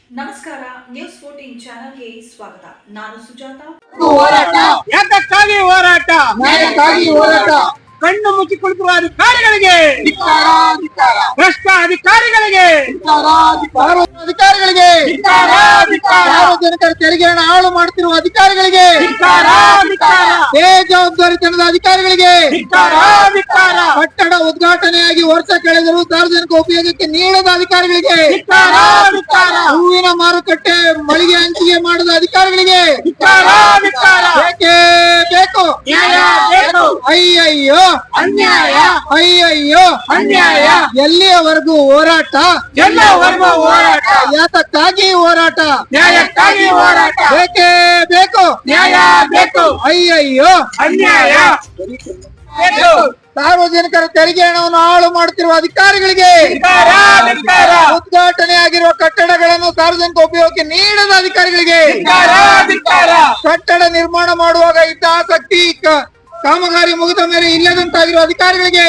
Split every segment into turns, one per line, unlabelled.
ನಮಸ್ಕಾರ, ನ್ಯೂಸ್ 14 ಚಾನೆಲ್ಗೆ ಸ್ವಾಗತ. ನಾನು ಸುಜಾತ.
ಹೋರಾಟ ಯಾತಕ್ಕಾಗಿ ಹೋರಾಟ?
ನ್ಯಾಯಕ್ಕಾಗಿ ಹೋರಾಟ.
ಕಣ್ಣು ಮುಚ್ಚಿ ಕುಳಿತಿರುವ ಅಧಿಕಾರಿಗಳಿಗೆ, ಭ್ರಷ್ಟ ಅಧಿಕಾರಿಗಳಿಗೆ,
ಅಧಿಕಾರಿಗಳಿಗೆ, ಸಾರ್ವಜನಿಕರ ತೆರಿಗೆ ಹಣ ಹಾಳು ಮಾಡುತ್ತಿರುವ ಅಧಿಕಾರಿಗಳಿಗೆ, ಬೇಜವಾಬ್ದಾರಿತನದ ಅಧಿಕಾರಿಗಳಿಗೆ, ಕಟ್ಟಡ ಉದ್ಘಾಟನೆಯಾಗಿ ವರ್ಷ ಕಳೆದರೂ ಸಾರ್ವಜನಿಕ ಉಪಯೋಗಕ್ಕೆ ನೀಡದ ಅಧಿಕಾರಿಗಳಿಗೆ, ಹೂವಿನ ಮಾರುಕಟ್ಟೆ ಮಳಿಗೆ ಹಂಚಿಕೆ ಮಾಡದ ಅಧಿಕಾರಿಗಳಿಗೆ ಬೇಕೇ ಬೇಕು. ಅಯ್ಯಯ್ಯೋ
ಅನ್ಯಾಯ,
ಅಯ್ಯಯ್ಯೋ
ಅನ್ಯಾಯ.
ಎಲ್ಲಿಯವರೆಗೂ ಹೋರಾಟ?
ಎಲ್ಲವರೆಗೂ ಹೋರಾಟ.
ಯಾತಕ್ಕಾಗಿ ಹೋರಾಟ?
ನ್ಯಾಯಕ್ಕಾಗಿ ಹೋರಾಟ.
ಬೇಕೇ ಬೇಕು.
ನ್ಯಾಯ ಬೇಕು.
ಅಯ್ಯಯ್ಯೋ
ಅನ್ಯಾಯ ಬೇಕು.
ಸಾರ್ವಜನಿಕರ ತೆರಿಗೆ ಹಣವನ್ನು ಹಾಳು ಮಾಡುತ್ತಿರುವ ಅಧಿಕಾರಿಗಳಿಗೆ, ಉದ್ಘಾಟನೆ ಆಗಿರುವ ಕಟ್ಟಡಗಳನ್ನು ಸಾರ್ವಜನಿಕ ಉಪಯೋಗಕ್ಕೆ ನೀಡದ ಅಧಿಕಾರಿಗಳಿಗೆ, ಕಟ್ಟಡ ನಿರ್ಮಾಣ ಮಾಡುವಾಗ ಇದ್ದ ಆಸಕ್ತಿ ಕಾಮಗಾರಿ ಮುಗಿದ ಮೇಲೆ ಇಲ್ಲದಂತಾಗಿರುವ ಅಧಿಕಾರಿಗಳಿಗೆ,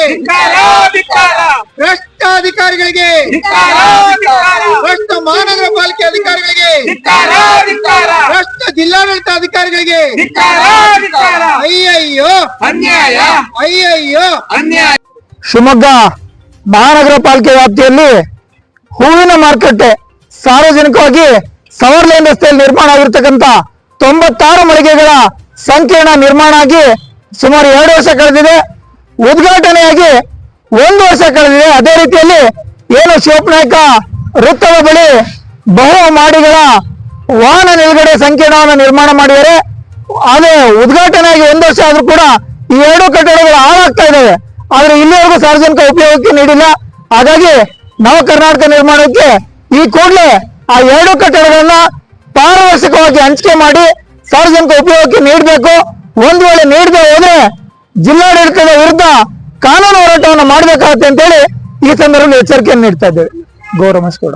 ಭ್ರಷ್ಟ ಅಧಿಕಾರಿಗಳಿಗೆ, ಭ್ರಷ್ಟ ಮಹಾನಗರ ಪಾಲಿಕೆ ಅಧಿಕಾರಿಗಳಿಗೆ, ಭ್ರಷ್ಟ ಜಿಲ್ಲಾಡಳಿತ ಅಧಿಕಾರಿಗಳಿಗೆ ಅಯ್ಯಯ್ಯೋ
ಅನ್ಯಾಯ,
ಅಯ್ಯಯ್ಯೋ
ಅನ್ಯಾಯ.
ಶಿವಮೊಗ್ಗ ಮಹಾನಗರ ಪಾಲಿಕೆ ವ್ಯಾಪ್ತಿಯಲ್ಲಿ ಹೂವಿನ ಮಾರುಕಟ್ಟೆ ಸಾರ್ವಜನಿಕವಾಗಿ ಸವರ್ ಲೈನ್ ರಸ್ತೆಯಲ್ಲಿ ನಿರ್ಮಾಣ ಆಗಿರ್ತಕ್ಕಂಥ 96 ಮಳಿಗೆಗಳ ಸಂಕೀರ್ಣ ನಿರ್ಮಾಣ ಆಗಿ ಸುಮಾರು 2 ವರ್ಷ ಕಳೆದಿದೆ. ಉದ್ಘಾಟನೆಯಾಗಿ 1 ವರ್ಷ ಕಳೆದಿದೆ. ಅದೇ ರೀತಿಯಲ್ಲಿ ಏನು ಶಿವಪ್ಪನಾಯಕ ವೃತ್ತದ ಬಳಿ ಬಹು ಮಾಡಿಗಳ ವಾಹನ ನಿಲುಗಡೆ ಸಂಕೀರ್ಣವನ್ನು ನಿರ್ಮಾಣ ಮಾಡಿದ್ದಾರೆ. ಅದೇ ಉದ್ಘಾಟನೆಯಾಗಿ 1 ವರ್ಷ ಆದ್ರೂ ಕೂಡ ಈ 2 ಕಟ್ಟಡಗಳು ಹಾಳಾಗ್ತಾ ಇದ್ದಾವೆ. ಆದ್ರೆ ಇಲ್ಲಿವರೆಗೂ ಸಾರ್ವಜನಿಕ ಉಪಯೋಗಕ್ಕೆ ನೀಡಿಲ್ಲ. ಹಾಗಾಗಿ ನವ ಕರ್ನಾಟಕ ನಿರ್ಮಾಣಕ್ಕೆ ಈ ಕೂಡಲೇ ಆ 2 ಕಟ್ಟಡಗಳನ್ನ ಪಾರದರ್ಶಕವಾಗಿ ಹಂಚಿಕೆ ಮಾಡಿ ಸಾರ್ವಜನಿಕ ಉಪಯೋಗಕ್ಕೆ ನೀಡಬೇಕು. ಒಂದು ವೇಳೆ ನೀಡದೆ ಹೋದ್ರೆ ಜಿಲ್ಲಾಡಳಿತದ ವಿರುದ್ಧ ಕಾನೂನು ಹೋರಾಟವನ್ನು ಮಾಡಬೇಕಾಗುತ್ತೆ ಅಂತೇಳಿ ಈ ಸಂದರ್ಭದಲ್ಲಿ ಎಚ್ಚರಿಕೆಯನ್ನು ನೀಡ್ತಾ ಇದ್ದೇವೆ. ಗೌರವ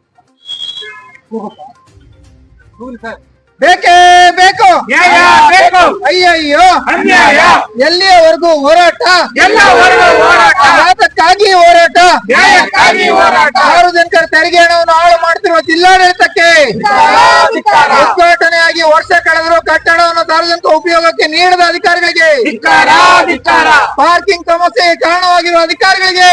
ಬೇಕೇ ಬೇಕು.
ನ್ಯಾಯ ಬೇಕು.
ಅಯ್ಯಯ್ಯೋ
ಅನ್ಯಾಯ.
ಎಲ್ಲಿಯವರೆಗೂ ಹೋರಾಟ?
ಎಲ್ಲವರೆಗೂ ಹೋರಾಟ.
ಯಾತಕ್ಕಾಗಿ ಹೋರಾಟ?
ನ್ಯಾಯಕ್ಕಾಗಿ ಹೋರಾಟ.
ಸಾರ್ವಜನಿಕರ ತೆರಿಗೆ ಹಣವನ್ನು ಹಾಳು ಮಾಡುತ್ತಿರುವ ಜಿಲ್ಲಾಡಳಿತಕ್ಕೆ, ಉದ್ಘಾಟನೆಯಾಗಿ ವರ್ಷ ಕಳೆದರೂ ಕಟ್ಟಡವನ್ನು ಸಾರ್ವಜನಿಕ ಉಪಯೋಗಕ್ಕೆ ನೀಡದ ಅಧಿಕಾರಿಗಳಿಗೆ, ಪಾರ್ಕಿಂಗ್ ಸಮಸ್ಯೆಗೆ ಕಾರಣವಾಗಿರುವ ಅಧಿಕಾರಿಗಳಿಗೆ,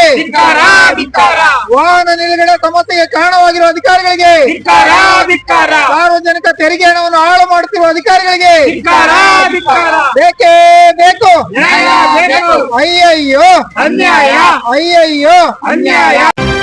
ವಾಹನ ನಿಲುಗಡೆ ಸಮಸ್ಯೆಗೆ ಕಾರಣವಾಗಿರುವ ಅಧಿಕಾರಿಗಳಿಗೆ, ಸಾರ್ವಜನಿಕ ತೆರಿಗೆ ಹಣವನ್ನು ಹಾಳು ಮಾಡುತ್ತಿರುವ ಅಧಿಕಾರಿಗಳಿಗೆ ಬೇಕೇ ಬೇಕು.
ನ್ಯಾಯ ಬೇಕು.
ಅಯ್ಯಯ್ಯೋ
ಅನ್ಯಾಯ,
ಅಯ್ಯಯ್ಯೋ
ಅನ್ಯಾಯ.